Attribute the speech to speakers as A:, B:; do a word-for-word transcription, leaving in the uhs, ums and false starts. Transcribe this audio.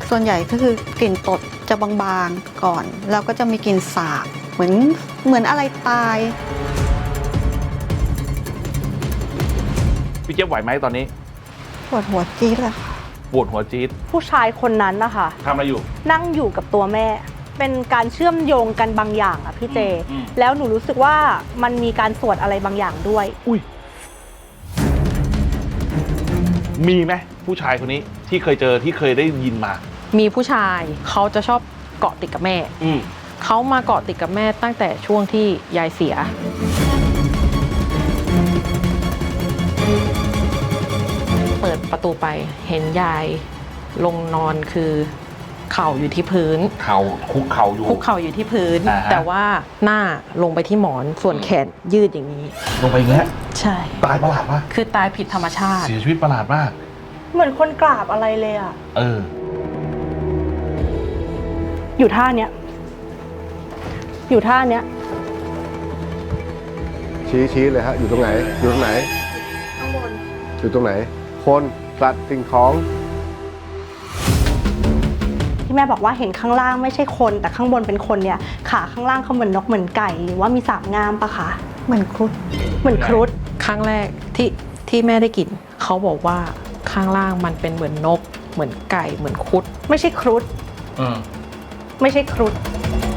A: ส่วนใหญ่ก็คือกลิ่นตดจะบางๆก่อนแล้วก็จะมีกลิ่นสาบเหมือนเหมือนอะไรตาย
B: พี่เจี๊ยบไหวไหมตอนนี้
A: ปวดหัวจี๊ดเลยค่ะ
B: ปวดหัวจี๊ด
C: ผู้ชายคนนั้นนะคะ
B: ทำอะไรอยู่
C: นั่งอยู่กับตัวแม่เป็นการเชื่อมโยงกันบางอย่างอะพี่เจแล้วหนูรู้สึกว่ามันมีการสวดอะไรบางอย่างด้วย
B: อุ้ยมีไหมผู้ชายคนนี้ที่เคยเจอที่เคยได้ยินมา
D: มีผู้ชายเขาจะชอบเกาะติดกับแม่เขามาเกาะติดกับแม่ตั้งแต่ช่วงที่ยายเสียเปิดประตูไปเห็นยายลงนอนคือเข่าอยู่ที่พื้น
B: เข่าคุกเข่าอยู่
D: คุกเข่าอยู่ที่พื้นแต่ว่าหน้าลงไปที่หมอนส่วนแขนยืดอย่างนี้
B: ลงไปอย่างเงี้ย
D: ใช่
B: ตายประหลาดมาก
D: คือตายผิดธรรมชาติ
B: เสียชีวิตประหลาดมาก
C: เหมือนคนกราบอะไรเลยอ่ะ
B: เออ
C: อยู่ท่าเนี้ยอยู่ท่าเนี้ย
E: ชี้ชี้เลยฮะอยู่ตรงไหนอยู่ตรงไหน
C: ข้างบน
E: อยู่ตรงไหนคนสัตว์สิ่งของ
C: ที่แม่บอกว่าเห็นข้างล่างไม่ใช่คนแต่ข้างบนเป็นคนเนี่ยขาข้างล่างเขาเหมือนนกเหมือนไก่หรือว่ามีสามงามปะคะ
A: เหมือนครุฑ
C: เหมือนครุฑ
D: ครั้งแรกที่ที่แม่ได้กลิ่นเขาบอกว่าข้างล่างมันเป็นเหมือนนกเหมือนไก่เหมือนครุฑ
C: ไม่ใช่ครุฑไม่ใช่ครุฑ